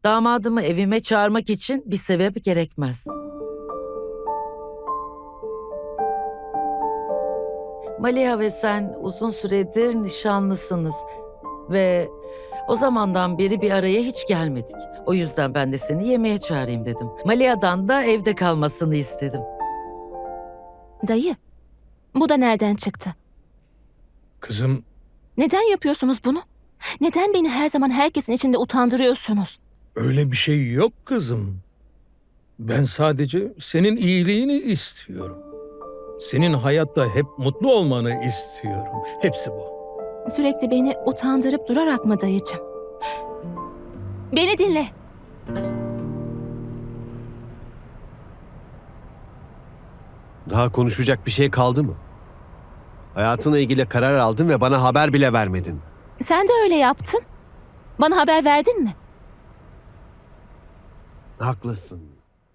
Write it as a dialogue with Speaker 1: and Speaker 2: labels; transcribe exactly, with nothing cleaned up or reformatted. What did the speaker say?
Speaker 1: Damadımı evime çağırmak için bir sebep gerekmez. Maliha ve sen uzun süredir nişanlısınız ve o zamandan beri bir araya hiç gelmedik. O yüzden ben de seni yemeğe çağırayım dedim. Maliha'dan da evde kalmasını istedim.
Speaker 2: Dayı, bu da nereden çıktı?
Speaker 3: Kızım,
Speaker 2: Neden yapıyorsunuz bunu? Neden beni her zaman herkesin içinde utandırıyorsunuz?
Speaker 3: öyle bir şey yok kızım. Ben sadece senin iyiliğini istiyorum. Senin hayatta hep mutlu olmanı istiyorum. Hepsi bu.
Speaker 2: Sürekli beni utandırıp durarak mı dayıcım? Beni dinle.
Speaker 4: Daha konuşacak bir şey kaldı mı? Hayatınla ilgili karar aldın ve bana haber bile vermedin.
Speaker 2: Sen de öyle yaptın. Bana haber verdin mi?
Speaker 4: Haklısın.